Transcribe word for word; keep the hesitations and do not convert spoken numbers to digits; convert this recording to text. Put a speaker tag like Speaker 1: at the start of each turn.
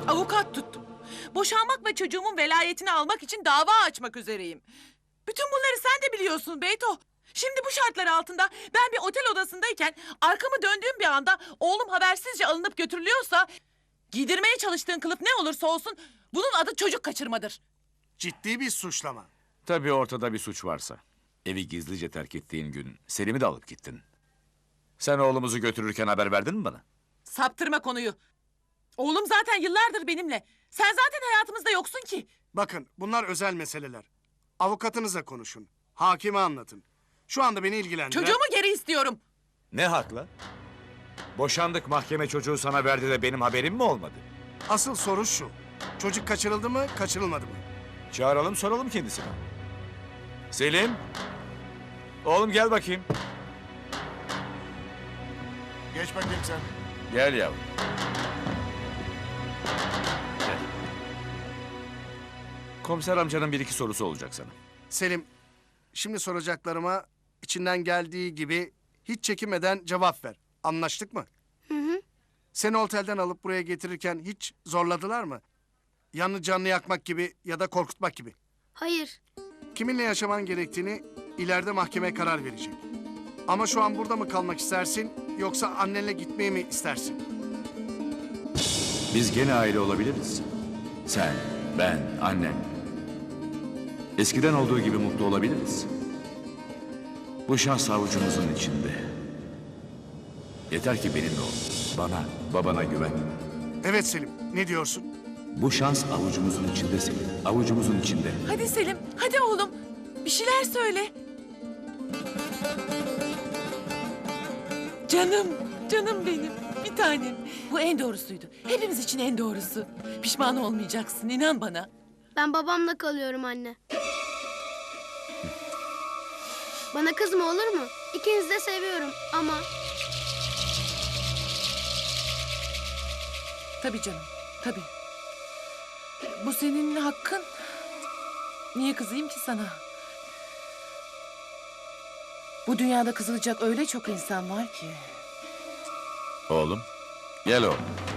Speaker 1: Avukat tuttum. Boşanmak ve çocuğumun velayetini almak için dava açmak üzereyim. Bütün bunları sen de biliyorsun Beyto. Şimdi bu şartlar altında ben bir otel odasındayken arkamı döndüğüm bir anda oğlum habersizce alınıp götürülüyorsa... ...giydirmeye çalıştığın kılıf ne olursa olsun bunun adı çocuk kaçırmadır.
Speaker 2: Ciddi bir suçlama.
Speaker 3: Tabii ortada bir suç varsa. Evi gizlice terk ettiğin gün Selim'i de alıp gittin. Sen oğlumuzu götürürken haber verdin mi bana?
Speaker 1: Saptırma konuyu. Oğlum zaten yıllardır benimle. Sen zaten hayatımızda yoksun ki.
Speaker 2: Bakın bunlar özel meseleler. Avukatınızla konuşun. Hakime anlatın. Şu anda beni ilgilendiren...
Speaker 1: Çocuğumu geri istiyorum.
Speaker 3: Ne hakla? Boşandık, mahkeme çocuğu sana verdi de benim haberim mi olmadı?
Speaker 2: Asıl soru şu. Çocuk kaçırıldı mı, kaçırılmadı mı?
Speaker 3: Çağıralım, soralım kendisine. Selim. Oğlum gel bakayım.
Speaker 4: Geç bakayım sen.
Speaker 3: Gel yavrum. Gel. Komiser amcanın bir iki sorusu olacak sana.
Speaker 2: Selim, şimdi soracaklarıma içinden geldiği gibi hiç çekinmeden cevap ver. Anlaştık mı?
Speaker 5: Hı hı.
Speaker 2: Seni otelden alıp buraya getirirken hiç zorladılar mı? Yanını canlı yakmak gibi ya da korkutmak gibi.
Speaker 5: Hayır.
Speaker 2: Kiminle yaşaman gerektiğini ileride mahkeme karar verecek. Ama şu an burada mı kalmak istersin yoksa annenle gitmeyi mi istersin?
Speaker 3: Biz gene aile olabiliriz. Sen, ben, annen. Eskiden olduğu gibi mutlu olabiliriz. Bu şans avucumuzun içinde. Yeter ki benimle ol. Bana, babana güven.
Speaker 2: Evet Selim, ne diyorsun?
Speaker 3: Bu şans avucumuzun içinde Selim. Avucumuzun içinde.
Speaker 1: Hadi Selim, hadi oğlum. Bir şeyler söyle. Canım, canım benim. Bir tanem. Bu en doğrusuydu. Hepimiz için en doğrusu. Pişman olmayacaksın, inan bana.
Speaker 5: Ben babamla kalıyorum anne. Bana kızma olur mu? İkinizi de seviyorum ama...
Speaker 1: Tabii canım, tabii. Bu senin hakkın. Niye kızayım ki sana? Bu dünyada kızılacak öyle çok insan var ki.
Speaker 3: Oğlum, gel oğlum.